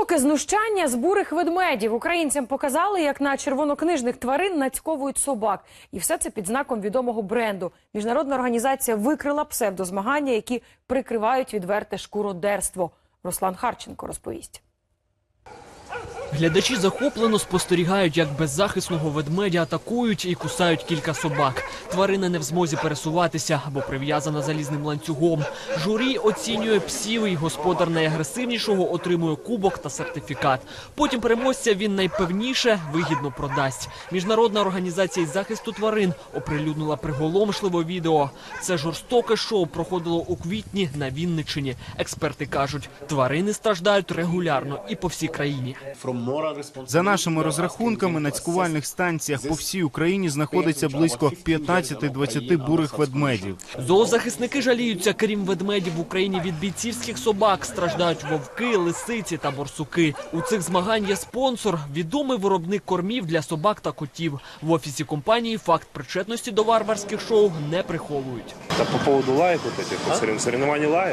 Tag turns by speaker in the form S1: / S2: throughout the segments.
S1: Жорстоке знущання з бурих ведмедів. Українцям показали, як на червонокнижних тварин нацьковують собак. І все це під знаком відомого бренду. Міжнародна організація викрила псевдозмагання, які прикривають відверте шкуродерство. Руслан Харченко розповість.
S2: Глядачі захоплено спостерігають, як беззахисного ведмедя атакують і кусають кілька собак. Тварина не в змозі пересуватися або прив'язана залізним ланцюгом. Журі оцінює псів, і господар найагресивнішого отримує кубок та сертифікат. Потім переможця він найпевніше вигідно продасть. Міжнародна організація із захисту тварин оприлюднила приголомшливе відео. Це жорстоке шоу проходило у квітні на Вінниччині. Експерти кажуть, тварини страждають регулярно і по всій країні.
S3: За нашими розрахунками, на цькувальних станціях по всій Україні знаходиться близько 15-20 бурих ведмедів.
S2: Зоозахисники жаліються, крім ведмедів в Україні від бійцівських собак страждають вовки, лисиці та борсуки. У цих змагань є спонсор – відомий виробник кормів для собак та котів. В офісі компанії факт причетності до варварських шоу не приховують.
S4: Та по поводу лаек, вот этих, вот соревнований лаек?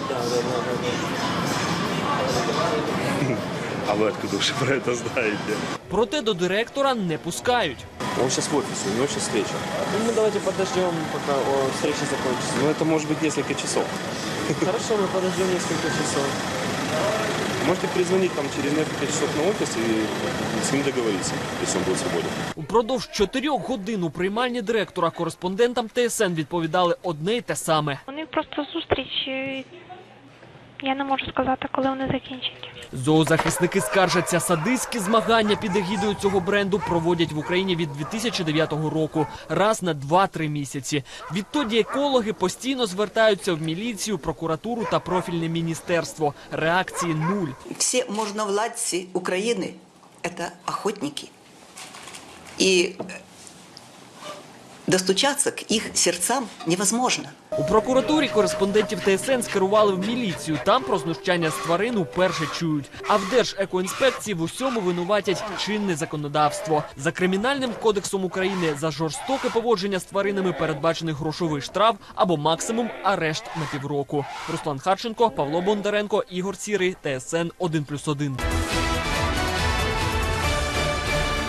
S4: А вы откуда уже про это знаете?
S2: Проте до директора не пускають.
S4: Он сейчас в офисе, у него сейчас встреча.
S5: Ну, давайте подождем, пока встреча закончится.
S4: Ну, это может быть несколько часов.
S5: Хорошо, мы подождем несколько часов.
S4: Можете перезвонить там через несколько часов на офис и с ним договориться, если он будет свободен.
S2: Упродовж 4 годин у приймальні директора кореспондентам ТСН відповідали одне й те саме.
S6: У них просто зустріч, я не можу сказати, коли вони закінчать.
S2: Зоозахисники скаржаться, садистські змагання під егідою цього бренду проводять в Україні від 2009 року. Раз на 2-3 місяці. Відтоді екологи постійно звертаються в міліцію, прокуратуру та профільне міністерство. Реакції нуль.
S7: Всі можновладці України – це охотники. І достучаться к їх серцям невозможно.
S2: У прокуратурі кореспондентів ТСН скерували в міліцію. Там про знущання з тварин уперше чують. А в Держекоінспекції в усьому винуватять чинне законодавство. За Кримінальним кодексом України за жорстоке поводження з тваринами передбачений грошовий штраф або максимум арешт на півроку. Руслан Харченко, Павло Бондаренко, Ігор Сірий, ТСН 1+1.